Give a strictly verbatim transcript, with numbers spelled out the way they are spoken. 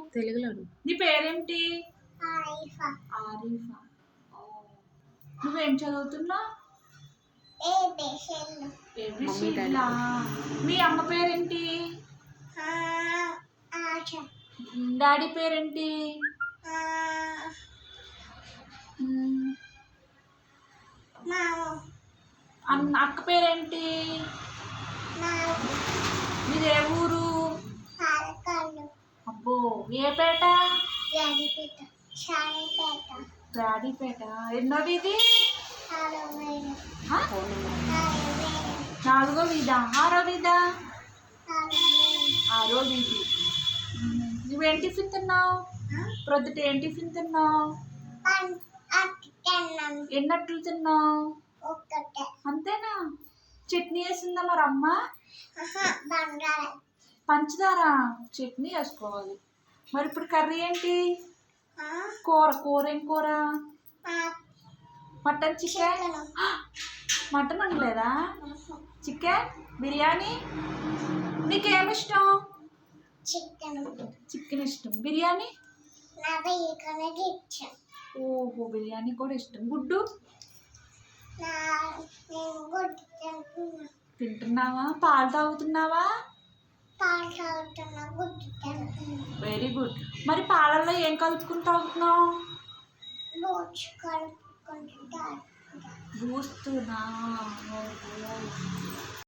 తెలుగులో. నీ పేరేంటి? ఆరిఫా. ఆరిఫా. నువ్వేం చదువుతున్నావు? ఏబిసిడ్లా. మీ అమ్మ పేరేంటి? డాడీ పేరేంటి? అన్న అక్క పేరేంటి? మీది ఏ ఊరు? అబ్బో, ఏ పేట? బ్రాడీపేట. ఎన్నో వీధి? నాలుగో వీధా? ఆరో వీధా? ఆరో వీధి. నువ్వేం టిఫిన్ తిన్నావు? ప్రొద్దుట ఏం టిఫిన్ తిన్నావు? ఎన్నట్లు తిన్నావు? అంతేనా? చట్నీ వేసిందా మరి అమ్మ? పంచదార చట్నీ వేసుకోవాలి. మరి ఇప్పుడు కర్రీ ఏంటి? కూర. కూర ఏం కూర? Mutton, chicken. మటన్ అనలేదా? చికెన్ బిర్యానీ. నీకేమి ఇష్టం? చికెన్. చికెన్ ఇష్టం. బిర్యానీ? ఇష్టం. ఓహో, బిర్యానీ కూడా ఇష్టం. గుడ్డు తింటున్నావా? పాలు తాగుతున్నావా? Very good. మరి పాలల్లో ఏం కలుపుకుని తాగుతున్నావు? బూస్తున్నా.